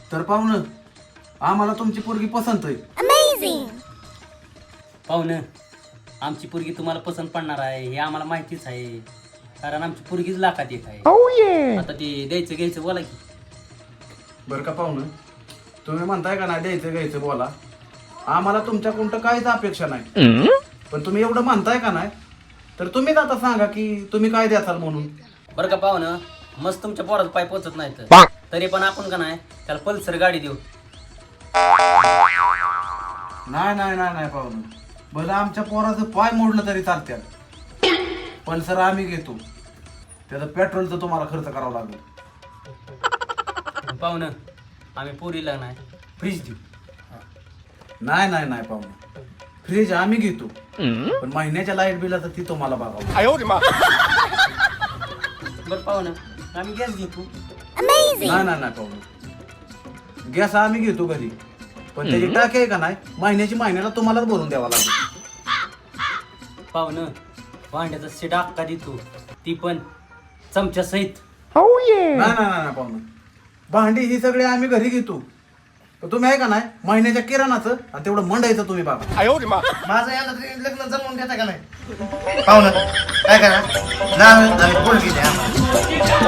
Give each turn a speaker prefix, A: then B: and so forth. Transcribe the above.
A: तर पाहुणं आम्हाला तुमची पोरगी पसंत आहे.
B: पाहुणं आमची पोरगी तुम्हाला पसंत पडणार आहे हे आम्हाला माहितीच आहे, कारण आमची पोरगीच लाखात एक आहे. आता ते द्यायचं घ्यायचं बोला की.
A: बरं का पाहुणं, तुम्ही म्हणताय का नाही द्यायचं घ्यायचं बोला, आम्हाला तुमच्याकडून तर काहीच अपेक्षा नाही, पण तुम्ही एवढं म्हणताय का नाही तर तुम्हीच आता सांगा की तुम्ही काय द्याल म्हणून.
B: बरं का पाहुणं, मस्त तुमच्या पोराचा पाय पोचत नाही तर तरी पण आपण का नाही त्याला पल्सर गाडी देऊ.
A: नाही नाही नाही नाही पाहुणं, भलं आमच्या पोराचं पाय मोडलं तरी चालत्याल, पण सर आम्ही घेतो. त्याचं पेट्रोलचं तुम्हाला खर्च करावा लागेल.
B: पाहुणं आम्ही पोरीला नाही फ्रीज देऊ.
A: नाही नाही नाही पाहुणं, फ्रीज आम्ही घेतो, पण महिन्याच्या लाईट बिलाचं ती तुम्हाला बघावं.
B: बरं पाहुणं आम्ही गॅस घेतो.
A: नाही नाही नाही पाहुणं, गॅस आम्ही घेतो घरी, पण त्याची टाकी आहे का नाही महिन्याला तुम्हालाच भरून द्यावा लागेल.
B: पाहुणं भांड्याचा सेट अक्का देतो, ती पण चमच्या सहित.
A: नाही नाही नाही पाहुणं, भांडी ही सगळी आम्ही घरी घेतो, तर तुम्ही आहे का नाही महिन्याच्या किराणाचं आणि तेवढं मंडायचं तुम्ही बघा.
C: माझं याला तरी लग्न जमवून देता का नाही पाहुणं? काय करा ना पोरगी द्या आम्हाला.